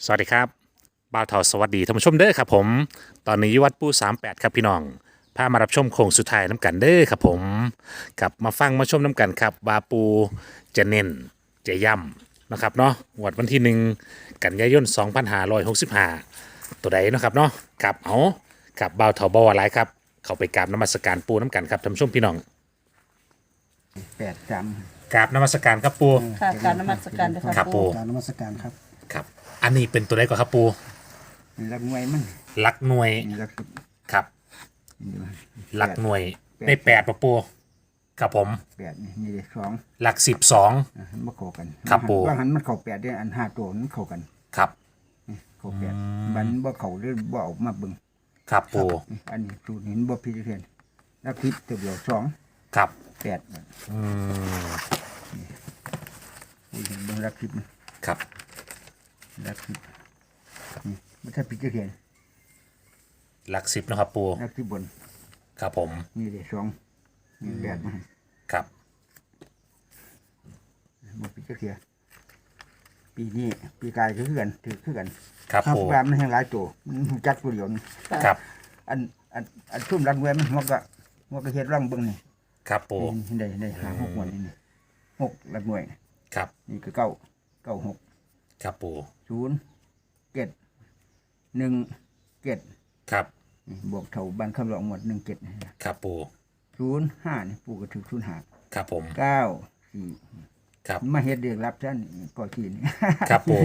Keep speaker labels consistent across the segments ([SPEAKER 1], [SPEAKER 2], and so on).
[SPEAKER 1] สวัสดีครับบ่าวเทาสวัสดีท่านผู้ชมเด้อครับผมตอนนี้อยู่วัดปู38ครับพี่น้องพามารับชมโค้งสุดท้ายน้ำกันเด้อครับผมกลับมาฟังมาชมน้ำกันครับว่าปูจะเน้นจะย่ำนะครับเนาะงวดวันที่1 กันยายน2565ตัวใดเนาะครับเนาะกับเอากับบ่าวเทาบ่าวอะไรครับเข้าไปกราบนมัสการปูน้ำกันครับท่านผู้ชมพี่น้อง
[SPEAKER 2] 83
[SPEAKER 1] กราบนมัสการครับปู
[SPEAKER 3] ค่ะการนมัสการนะคะ
[SPEAKER 1] ครับปู
[SPEAKER 2] การนมัสการครับ
[SPEAKER 1] ครับอันนี้เป็นตัวใดก่อนครับปู
[SPEAKER 2] นี่รักมวยมัน
[SPEAKER 1] หลักหน่วย
[SPEAKER 2] นี่รัก
[SPEAKER 1] ครับหลักหน่วย
[SPEAKER 2] แปด
[SPEAKER 1] ได้8ปะปูครับผม
[SPEAKER 2] 8นี่ได้2
[SPEAKER 1] หลัก12
[SPEAKER 2] มาเข้ากัน
[SPEAKER 1] ครับปู่
[SPEAKER 2] ว่าหันมันเข้า8ได้อัน5ตัวมันเข้ากัน
[SPEAKER 1] ครับ
[SPEAKER 2] เข้า8มันบ่เข้าหรือบ่ออกมาเบิ่ง
[SPEAKER 1] ครับปู
[SPEAKER 2] อันนี้สูตรเห็นบ่พิจารณารักทิพย์ตัวเดียว2
[SPEAKER 1] ครับ
[SPEAKER 2] 8
[SPEAKER 1] อืม
[SPEAKER 2] เห็นเบิ่งรักทิพย์มัน
[SPEAKER 1] ครับ
[SPEAKER 2] รักทิพย์นี่บ่ถ้าพิจารณา
[SPEAKER 1] หลัก10นะครับปู
[SPEAKER 2] รักทิพย์บน
[SPEAKER 1] ครับผม
[SPEAKER 2] นี่ได้2นี่8มาให้
[SPEAKER 1] ครับ
[SPEAKER 2] บ่พิจารณาปีนี้ปีกายก็คือกันถือคือกัน
[SPEAKER 1] ครับปู
[SPEAKER 2] ว่ามันแห่งหลายตัวมันรู้จักตัวเดียวนี่
[SPEAKER 1] ครับ
[SPEAKER 2] อันทุ่มรักมวยมันหัวก็เฮ็ดร่องเบิ่งนี่
[SPEAKER 1] ครับปู
[SPEAKER 2] ได้หา6วันนี่6รักมวย
[SPEAKER 1] ครับ
[SPEAKER 2] นี่ก็9 6
[SPEAKER 1] ครับปู
[SPEAKER 2] 0 7 1 7
[SPEAKER 1] ครับ
[SPEAKER 2] นี่บวกเท่าบ้านคำร้องหมด1 7
[SPEAKER 1] ครับปู
[SPEAKER 2] 0 5นี่ปู่ก็ถือ0 5
[SPEAKER 1] ครับผม
[SPEAKER 2] 9 4
[SPEAKER 1] ครับ
[SPEAKER 2] มาเฮ็ดเรียกรับซะนี่ก็ขี้นี่
[SPEAKER 1] ครับปู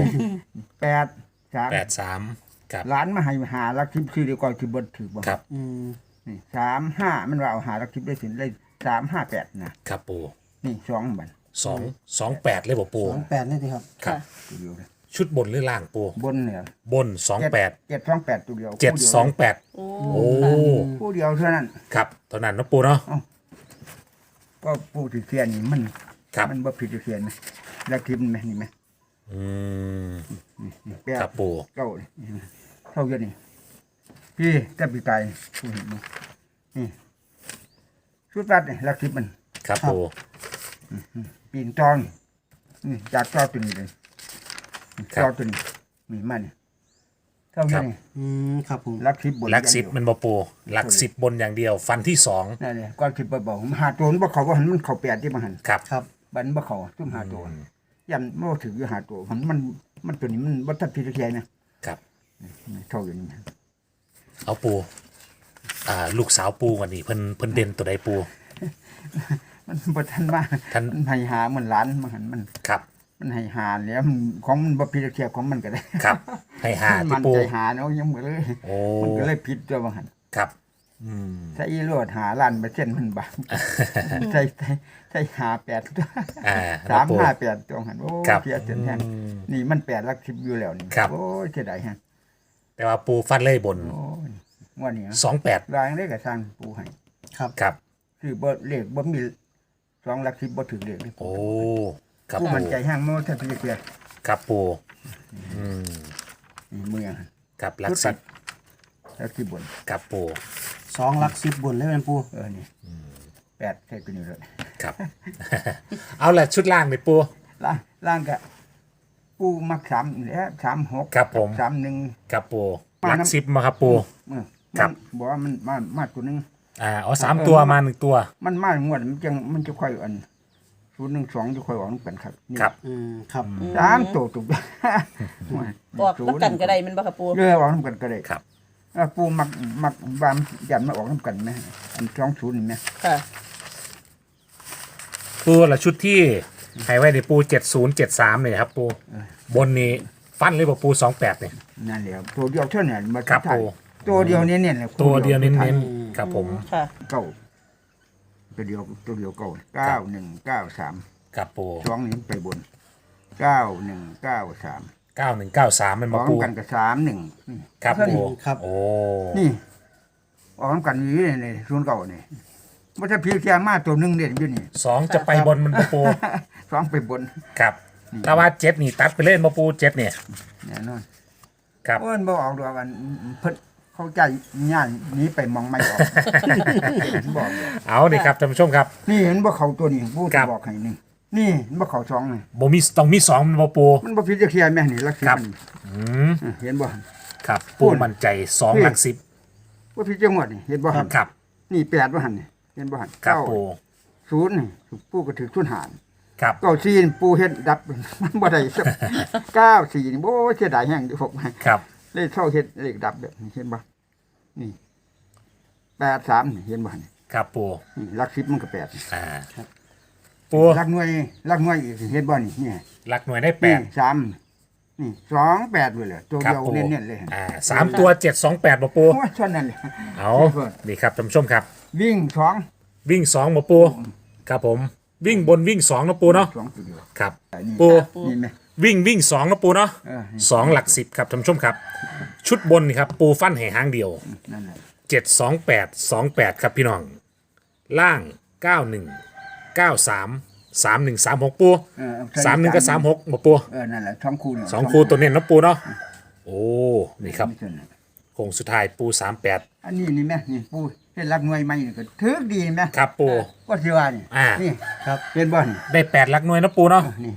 [SPEAKER 2] 8 3
[SPEAKER 1] 83ครับ
[SPEAKER 2] หลานมาให้หารักทิพย์ชื่อเดียวก็สิบ่ถือบ่
[SPEAKER 1] ครับ
[SPEAKER 2] นี่3 5มันว่าเอาหารักทิพย์ได้สิได้3 5 8นะครับ
[SPEAKER 1] ปู
[SPEAKER 2] นี่2บัด
[SPEAKER 1] 228เลยบ่ปู
[SPEAKER 2] 28นี่สิครับ
[SPEAKER 1] ครับ
[SPEAKER 2] ตัวเดียวเลย
[SPEAKER 1] ชุดบนหรือล่างปู
[SPEAKER 2] บนเนี่ย
[SPEAKER 1] บน28
[SPEAKER 2] 728ตัวเดียว
[SPEAKER 1] 728
[SPEAKER 3] โอ้
[SPEAKER 1] โอ้
[SPEAKER 2] ผู้เดียวเท่านั้น
[SPEAKER 1] ครับเท่านั้นเนาะปูเนาะ
[SPEAKER 2] ก็ผู้ที่เทียนนี่มัน
[SPEAKER 1] ครับ
[SPEAKER 2] มันบ่ผิดที่เทียนนะแล้วทิมไหมนี่ไหม
[SPEAKER 1] อืม
[SPEAKER 2] นี่แปด
[SPEAKER 1] ครับปู
[SPEAKER 2] เก้านี่เท่าเยอะนี่พี่แต่ปีกายผู้เห็นมั้ยนี่ชุดรัดนี่ลักทิพมัน
[SPEAKER 1] ครับปู
[SPEAKER 2] ปีนจองนี่จากจอตัวนี้เลยจอตัวนี้นี่มันเท่าเยอะนี่
[SPEAKER 4] ครับผม
[SPEAKER 2] ลักทิพบน
[SPEAKER 1] หลัก10มันบ่ปูหลัก10บนอย่างเดียวฟันที่2
[SPEAKER 2] นั่นแหละก้อนทิพย์บ่หาตัวมันบ่เข้าบ่หันมันเข้าแปดที่บ่หัน
[SPEAKER 1] ครับ
[SPEAKER 4] ครับ
[SPEAKER 2] บันบ่เข้าซุ่มหาตัวยันบ่ถืออยู่หาตัวมันตัวนี้มันบ่ทันพิจารณานะครับ เท่าอยู่นี่
[SPEAKER 1] เอาปูลูกสาวปูวันนี้เพิ่นเด่นตัวใดปู
[SPEAKER 2] มันบ่ทันว่า
[SPEAKER 1] ท่าน
[SPEAKER 2] มันให้หาเหมือนหลานมันหันมัน
[SPEAKER 1] ครับ
[SPEAKER 2] มันให้หาแล้วมันของมันบ่พิจารณาของมันก็ได้
[SPEAKER 1] ครับให้หา
[SPEAKER 2] มั
[SPEAKER 1] ที่
[SPEAKER 2] น
[SPEAKER 1] ปู
[SPEAKER 2] ใจหาเนาะยังบ่เลย
[SPEAKER 1] โอ้
[SPEAKER 2] มันก็เลยผิดตัวบ่หัน
[SPEAKER 1] ครับ
[SPEAKER 2] ถ้าอีโลดหาล้านเปอร์เซ็นต์มันบาปใช่หา8ตัว
[SPEAKER 1] ครับปู
[SPEAKER 2] 358ตัวหันโอ้
[SPEAKER 1] ครับ
[SPEAKER 2] เสียเสียแฮงนี่มัน8หลัก10อยู่แล้วนี่
[SPEAKER 1] ครับ
[SPEAKER 2] โอ้ยเสียดายฮะ
[SPEAKER 1] แต่ว่าปูฟันเลยบน
[SPEAKER 2] โอ้ยงวดนี้
[SPEAKER 1] 28
[SPEAKER 2] รางได้ก็สร้างปูให้
[SPEAKER 1] ครับ
[SPEAKER 2] คือบ่เลขบ่มี2หลัก10บ่ถึงเลขเลย
[SPEAKER 1] โอ้ครับ
[SPEAKER 2] ผู้
[SPEAKER 1] ปู
[SPEAKER 2] มันใจแห้งมันถ้าพิจารณา
[SPEAKER 1] ครับปู
[SPEAKER 2] นี่มือยัง
[SPEAKER 1] ครับหลัก
[SPEAKER 2] ตัดแล้วที่บน
[SPEAKER 1] 10ครับปู
[SPEAKER 4] 2 หลัก 10บนเลยเป็นปู
[SPEAKER 2] นี่แปดใช่ตัวนี้เลย
[SPEAKER 1] ครับ เอาละชุดล่างเลยปู
[SPEAKER 2] ล่างก็ปูมัก3แล้ว36
[SPEAKER 1] ครับผม
[SPEAKER 2] 31
[SPEAKER 1] ครับปูหลัก10มาครับปู ครับ
[SPEAKER 2] บอกว่ามันมาตัวนึง
[SPEAKER 1] เอา3ตัวมา1ตัว
[SPEAKER 2] มันมางวดมันจะค่อยอัน012จะค่อยออกนำกันครับนี่
[SPEAKER 1] ครับ
[SPEAKER 4] ครับ
[SPEAKER 2] 3ตัวตุก
[SPEAKER 3] บอกแล้วกันก็ได้มันบ่ค่ะปู
[SPEAKER 2] เรือออกนำกันก็ได้
[SPEAKER 1] ครับ
[SPEAKER 2] ปูมักบามยันมาออกนำกันไหมอัน20นี่ไหม
[SPEAKER 3] ค่ะ
[SPEAKER 1] ปูละชุดที่ให้ไว้ในปู7073เนี่ยครับปูบนนี้ฟันเลยบ่ปู28เนี่ย
[SPEAKER 2] นั่นแหละตัวเดียวเท่านั้นมา
[SPEAKER 1] ครับ
[SPEAKER 2] ถ่าย
[SPEAKER 1] ปู
[SPEAKER 2] ตัวเดียวเน้นๆเลย
[SPEAKER 1] ตัวเดียวเน้นๆครับผม
[SPEAKER 3] ค่ะ
[SPEAKER 2] เก้าตัวเดียวเก้า9193
[SPEAKER 1] ครับปู
[SPEAKER 2] 2นี่ไปบน9193
[SPEAKER 1] 9193มัน
[SPEAKER 2] อ
[SPEAKER 1] มา
[SPEAKER 2] อก
[SPEAKER 1] ปู
[SPEAKER 2] กันกับ31
[SPEAKER 1] ครับปู
[SPEAKER 4] ครับ
[SPEAKER 1] โอ้
[SPEAKER 2] นี่ออกกันอยู่นี่09นี่บ่ถ้าพี่แค่มาตัวหนึงเด่นอยู่นี่
[SPEAKER 1] 2จะไปบนมันบ่ปู
[SPEAKER 2] 2ไปบน
[SPEAKER 1] ครับถ้าว่า7นี่ตัดไปเล่นบ่ปู7เนี่ย
[SPEAKER 2] แน่นอน
[SPEAKER 1] ครับ
[SPEAKER 2] โอ้ยบ่ออกดอกกันเพิ่นเข้าใจย่านหนี้ไปมองไม่ออกบอกเลย
[SPEAKER 1] เอาดิครับท่านผู้ชมครับ
[SPEAKER 2] นี่เห็นบ่เขาตัวนี้ผู้
[SPEAKER 1] ครับ
[SPEAKER 2] บอกให้นี่นี่มันบ่เข้าสองนี่
[SPEAKER 1] บ่มีต้องมีสองบ่ปู
[SPEAKER 2] มันบ่ผิดจักเที่ยแม่นี่หลักสิบ
[SPEAKER 1] ครับ
[SPEAKER 2] มัน
[SPEAKER 1] อืม
[SPEAKER 2] เห็นบ่
[SPEAKER 1] ครับปูมั่นใจสองหลักสิบ
[SPEAKER 2] บ่ผิดจังหวัดนี่เห็นบ่หั่น
[SPEAKER 1] ครับ
[SPEAKER 2] นี่8บ่หั่นนี่เห็นบ่หั่น
[SPEAKER 1] ครับปู
[SPEAKER 2] 0นี่ปู่ก็ถือทุนหาร
[SPEAKER 1] ครับ
[SPEAKER 2] 94นี่ปู่เฮ็ดดับ มันบ่ได้สัก94นี่โอ้ยเสียดายแฮงอยู่พวก
[SPEAKER 1] ครับ
[SPEAKER 2] เลยเท่าเฮ็ดเลขดับแบบนี้เห็นบ่นี่83นี่เห็นบ่หั่น
[SPEAKER 1] ครับปู
[SPEAKER 2] นี่หลัก10มันก็8นี่
[SPEAKER 1] อ่าปู
[SPEAKER 2] หลักหน่วยอีกเห็นบ่นี่นี่
[SPEAKER 1] หลักหน่วยได้แป
[SPEAKER 2] นี่
[SPEAKER 1] ด
[SPEAKER 2] 3นี่2 8เลยเลยตัว
[SPEAKER 1] ครับ
[SPEAKER 2] เดียว
[SPEAKER 1] ปู
[SPEAKER 2] เน้นๆเลย
[SPEAKER 1] สามตัว728บ่ปู
[SPEAKER 2] โอ้ยเท่านั้นเลย
[SPEAKER 1] เอานี่ครับท่านผู้ชมครับ
[SPEAKER 2] วิ่ง2
[SPEAKER 1] วิ่ง2บ่ปูครับผมวิ่งบนวิ่ง2นะปูเนาะ
[SPEAKER 2] 2ตัวเดียว
[SPEAKER 1] ครับ
[SPEAKER 2] นี่
[SPEAKER 1] ปู
[SPEAKER 2] นี่แม่
[SPEAKER 1] วิ่ง2นะปูเนาะ
[SPEAKER 2] นี่
[SPEAKER 1] สองหลักสิบครับท่านผู้ชมครับ ชุดบนนี่ครับปูฟันแห่หางเดียว
[SPEAKER 2] นั่นแหละ
[SPEAKER 1] 72828ครับพี่น้อง ล่าง 91 93 3136ปู 31กับ36บ่ปู
[SPEAKER 2] นั่นแหละ2คู่เนี่ย
[SPEAKER 1] สองคู่ตัวเน้นนะปูเนาะโอ้นี่ครับ
[SPEAKER 2] ไม่ใช่น่ะ
[SPEAKER 1] โค้งสุดท้ายปู38
[SPEAKER 2] อันนี้นี่แม่นี่ปูเฮ็ดรักหน่วยใหม่นี่ก็ถึกดีนี่แม่
[SPEAKER 1] ครับปู
[SPEAKER 2] ว่าสิว่านี่
[SPEAKER 1] อ่า
[SPEAKER 2] นี่
[SPEAKER 4] ครับ
[SPEAKER 2] เห็นบ่นี่
[SPEAKER 1] ได้8หลักหน่วยนะปูเนาะ
[SPEAKER 2] นี่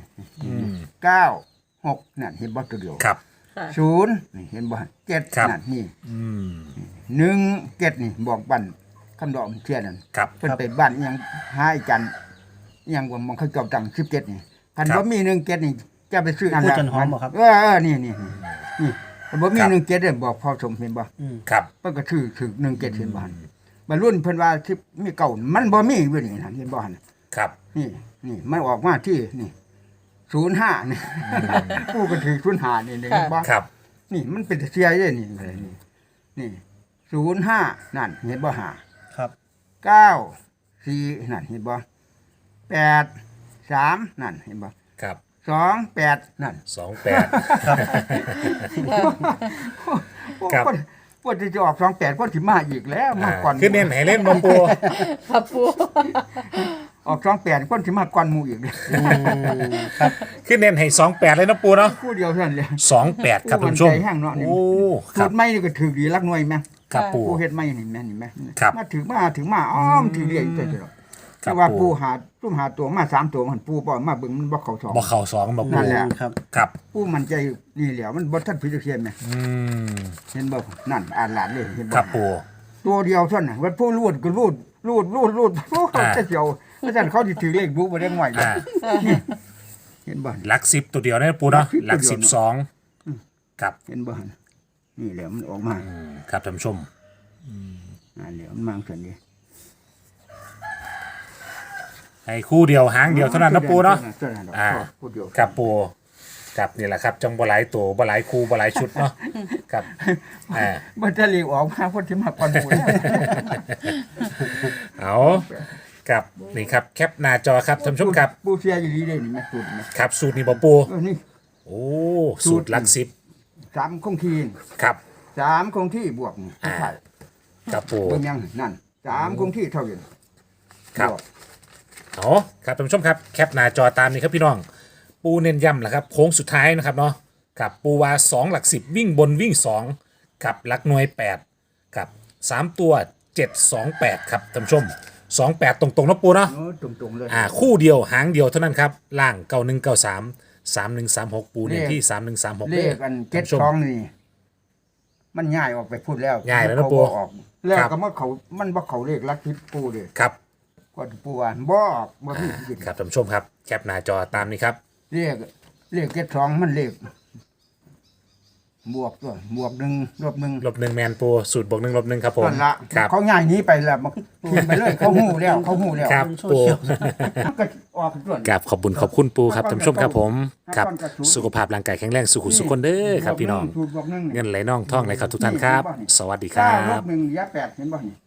[SPEAKER 2] 9 6นั่นเห็นบ่ตัวเดียว
[SPEAKER 1] ครับ
[SPEAKER 3] ค่ะ
[SPEAKER 2] 0นี่เห็นบ่7
[SPEAKER 1] ครับ
[SPEAKER 2] นั่นนี่
[SPEAKER 1] อืม
[SPEAKER 2] 1 7นี่บอกบันคำดอกเทียนนั่น
[SPEAKER 1] ครับ
[SPEAKER 2] เพิ่นไปบ้านอิหยังหาไอ้จันอิหยังบ่มันเขาเจ้าตัง17นี่คัน
[SPEAKER 1] ครับ
[SPEAKER 2] บ่มี1 7นี่จะไปซื้อ
[SPEAKER 4] พูดจนหอมบ่ครับ
[SPEAKER 2] นี่นี่คันบ่มี
[SPEAKER 1] ครับ
[SPEAKER 2] 1 7เด้อบอกพ่อสมเห็นบ่
[SPEAKER 1] ครับ
[SPEAKER 2] เพิ่นก็ถือถึก1 7เห็นบ่หั่นบรรรุ่นเพิ่นว่าที่มีเก่ามันบ่มีเว้ยนี่หั่นเห็นบ่หั่น
[SPEAKER 1] ครับ
[SPEAKER 2] นี่มันออกมาที่นี่05นี่ผู้ก็ถือ05นี่เห็นบ่
[SPEAKER 1] ครับ
[SPEAKER 2] นี่มันเป็นเสียเด้นี่นี่05นั่นเห็นบ่หา
[SPEAKER 4] ครับ
[SPEAKER 2] 9 4นั่นเห็นบ่8 3นั่นเห็นบ่
[SPEAKER 1] ครับ
[SPEAKER 2] 2 8นั่น
[SPEAKER 1] 28 ครับ
[SPEAKER 2] คนที่จะออก28คนสิมาอีกแล้วมาก่อน
[SPEAKER 1] คือเน้นให้เล่นบ่ปู
[SPEAKER 3] ครับปู
[SPEAKER 2] ออก28คนสิมาก่อนหมู่อีกเลย
[SPEAKER 4] ครับ
[SPEAKER 1] คือเน้นให้28เลยนะปูเนาะ
[SPEAKER 2] คู่เดียวเท่านั้นเลย
[SPEAKER 1] 28ครับท่านผู้ชม
[SPEAKER 2] ใจแห้งเนาะนี่
[SPEAKER 1] โอ้ค
[SPEAKER 2] สู
[SPEAKER 1] รับ
[SPEAKER 2] ตรใหม่นี่ก็ถือดีรักหน่วยแม่
[SPEAKER 1] ครับปู
[SPEAKER 2] ผู้เฮ็ดใหม่นี่แม่นี่แม่
[SPEAKER 1] ครับ
[SPEAKER 2] มาถึงมาอ้อมถือเรียกอยู่แต่
[SPEAKER 1] ครั
[SPEAKER 2] แต่
[SPEAKER 1] บ
[SPEAKER 2] ว่า
[SPEAKER 1] ปู่
[SPEAKER 2] ปูหาซุ่มหาตัวมา3ตัวมันปูบ่มาเบิ่งมันบ่เข้าสอง
[SPEAKER 1] บ่เข้าสองบ่ปู
[SPEAKER 2] นั่นแหละ
[SPEAKER 4] ครับ
[SPEAKER 1] ครับ
[SPEAKER 2] ปูมั่นใจนี่แหล้วมันบ่ทันผิดจักเทียนแม่
[SPEAKER 1] อืม
[SPEAKER 2] เห็นบ่นั่นอ่านหลานเลยเห็นบ่
[SPEAKER 1] ครับปู
[SPEAKER 2] ตัวเดียวเท่านั้นว่าผู้รูดก็รูดโอ้เขาจะเจียวเพราะฉะนั้นเขาสิถือเลขบุบ่ได้ง่อยเลย
[SPEAKER 1] อ่า
[SPEAKER 2] เห็นบ่
[SPEAKER 1] หลัก10ตัวเดียวนะปูเนาะห
[SPEAKER 2] หลั
[SPEAKER 1] ลัก
[SPEAKER 2] ก10
[SPEAKER 1] 12ครับ
[SPEAKER 2] เห็นบ่หั่นนี่แหละมันออกมา
[SPEAKER 1] ครับท่านผู้ชม
[SPEAKER 2] อันเดียวมันมาซั่นดิ
[SPEAKER 1] ให้คู่เดียวหางเดียวเท่านั้นนะปูเนาะ
[SPEAKER 2] ท่นั้นดอก
[SPEAKER 1] อ่า
[SPEAKER 2] คู่เดียว
[SPEAKER 1] ครับปูครับนี่แหละครับจังบ่หลายตัวบ่หลายคู่บ่หลายชุดเนาะครับอ่า
[SPEAKER 2] บ่จะเลขออกมาคนที่มาก่อนหมู่แล้ว
[SPEAKER 1] เอาครับนี่ครับแคปหน้าจอครับท่านผู้ชมครับ
[SPEAKER 2] ปูเสียอยู่ดีเด้นี่แม่สูตรนี่
[SPEAKER 1] ครับสูตรนี้บ่ปู
[SPEAKER 2] นี่
[SPEAKER 1] โอ้สูตรหลัก
[SPEAKER 2] 3คงที่
[SPEAKER 1] 10ครับ
[SPEAKER 2] 3คงที่บวกนี่
[SPEAKER 1] อ่า
[SPEAKER 2] ใช่
[SPEAKER 1] ครับปู
[SPEAKER 2] เบิ่งยังนั่น3คงที่เท่ากัน
[SPEAKER 1] ครับ
[SPEAKER 2] วก
[SPEAKER 1] เอาครับท่านผู้ชมครับแคปหน้าจอตามนี้ครับพี่น้อง ปูเน้นย้ำแหละครับโค้งสุดท้ายนะครับเนาะกับปูวา2หลัก10วิ่งบนวิ่ง2กับหลักหน่วย8กับ3ตัว728ครับท่านผู้ชม28ตรงๆนะปูเนาะ
[SPEAKER 2] โอ้ตรงๆเลย
[SPEAKER 1] คู่เดียวหางเดียวเท่านั้นครับล่าง9193 3136ปูเน้นที่3136
[SPEAKER 2] เลขอัน
[SPEAKER 1] ท่านผู้ชม
[SPEAKER 2] 72นี่มันง่ายออกไปพูดแล้ว
[SPEAKER 1] ง่ายแล้วนะ
[SPEAKER 2] เขา
[SPEAKER 1] ปู่
[SPEAKER 2] บ่ออกแล้ว
[SPEAKER 1] ครับ
[SPEAKER 2] ก็มาเขามันบ่เขาเลขลักทิพย์ปูเด้
[SPEAKER 1] ครับ
[SPEAKER 2] ก็ปูว่าบ่ออกบ่มีสิ
[SPEAKER 1] ครับท่านผู้ชมครับแคปหน้าจอตามนี้ครับ
[SPEAKER 2] เลข72มันเลขบวกตัวบวก1ลบ1
[SPEAKER 1] ลบ1แมนปูสูตรบวก1ลบ1ครับผม
[SPEAKER 2] นั่นละ
[SPEAKER 1] ครับ
[SPEAKER 2] เขาง่ายหนี้ไปแล้วมันกินไปเลยเขาหู้แล้วเขาหู้แล้ว
[SPEAKER 1] ครับ
[SPEAKER 4] โซ
[SPEAKER 1] ปู
[SPEAKER 4] เชียล
[SPEAKER 2] มันก็ออกส่วน
[SPEAKER 1] กับขอบคุณขอบคุณปูครับท่านผู้ชมครับผมครับสุขภาพร่างกายแข็งแรงสุขุสุขคนเด้อครับพี่น้อง
[SPEAKER 2] สูตรบวก1
[SPEAKER 1] เงินไหลน่องท่องไหลเข้าทุกท่านครับ สวัสดีค
[SPEAKER 2] เก้า
[SPEAKER 1] รั
[SPEAKER 2] ล
[SPEAKER 1] บ
[SPEAKER 2] บ1เหลือ8เห็นบ่นี่